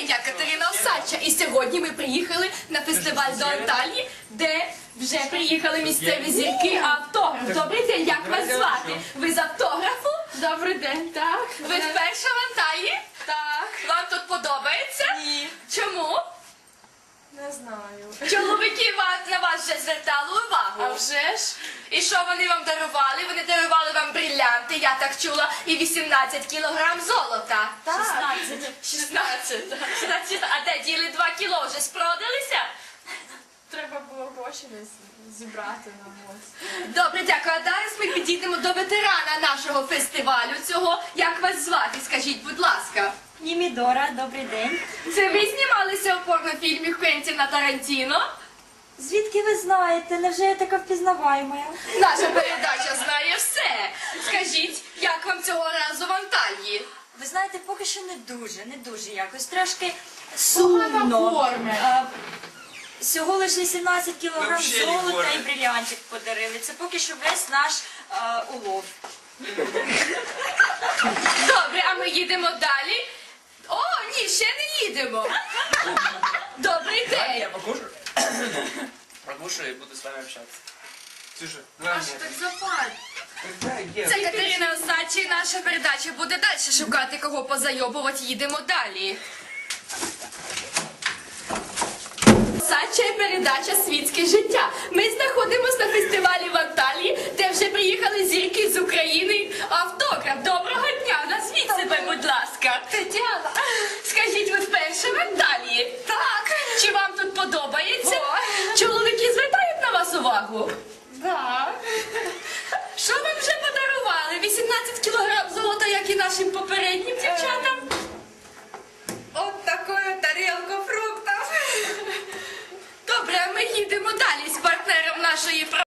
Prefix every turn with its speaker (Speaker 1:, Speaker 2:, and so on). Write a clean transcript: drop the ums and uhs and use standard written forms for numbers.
Speaker 1: день, я Катерина Осадча, і сьогодні ми приїхали на фестиваль до Анталії, де вже приїхали місцеві зірки автограф. Добрий день, як вас звати? Ви з автографу?
Speaker 2: Добрий день, так.
Speaker 1: Ви вперше в Анталії?
Speaker 2: Так.
Speaker 1: Вам тут подобається?
Speaker 2: Ні.
Speaker 1: Чому?
Speaker 2: Не знаю.
Speaker 1: Чоловіки на вас вже звертали увагу.
Speaker 2: А вже ж?
Speaker 1: І що вони вам дарували? Вони дарували вам брилянти, я так чула, і 18 кілограм золота.
Speaker 2: Так.
Speaker 1: 16. А де діли 2 кіло? Вже спродалися?
Speaker 2: Треба було гроші десь зібрати на ось.
Speaker 1: Добре, дякую. А зараз ми підійдемо до ветерана нашого фестивалю цього. Як вас звати? Скажіть, будь ласка.
Speaker 3: Німідора, добрий день.
Speaker 1: Це ви знімалися у порнофільмі Квентіна Тарантіно?
Speaker 3: Звідки ви знаєте? Невже я така впізнаваєма?
Speaker 1: Наша передача знає все. Скажіть, як вам цього разу в Анталії?
Speaker 3: Ви знаєте, поки що не дуже якось. Трошки
Speaker 2: Погана
Speaker 3: сумно.
Speaker 2: форма.
Speaker 3: Всього лише 18 кілограм
Speaker 4: Вообще не
Speaker 3: золота
Speaker 4: форма.
Speaker 3: і брилянтик подарили. Це поки що весь наш улов.
Speaker 1: Добре, а ми їдемо далі. О, ні, ще не їдемо. Добрий день.
Speaker 4: Я покушаю? Покушаю и буду с вами общаться. Слушай,
Speaker 2: А що так запаль?
Speaker 1: Це Катерина Осадча, і наша передача буде далі шукати, кого позайобувати. Їдемо далі. Осадча і передача «Світське життя». Ми знаходимося на фестивалі в Анталії, де вже приїхали зірки з України. Автограф. Доброго дня. Назвіть себе, будь ласка.
Speaker 2: Тетяна.
Speaker 1: Скажіть, ви вперше в Анталії? Так. Чи вам тут подобається? Чоловіки звертають на вас увагу?
Speaker 2: Так.
Speaker 1: Що вам вже подарували? 18 кілограм золота, як і нашим попереднім дівчатам?
Speaker 2: От такою тарілку фруктів.
Speaker 1: Добре, а ми їдемо далі з партнером нашої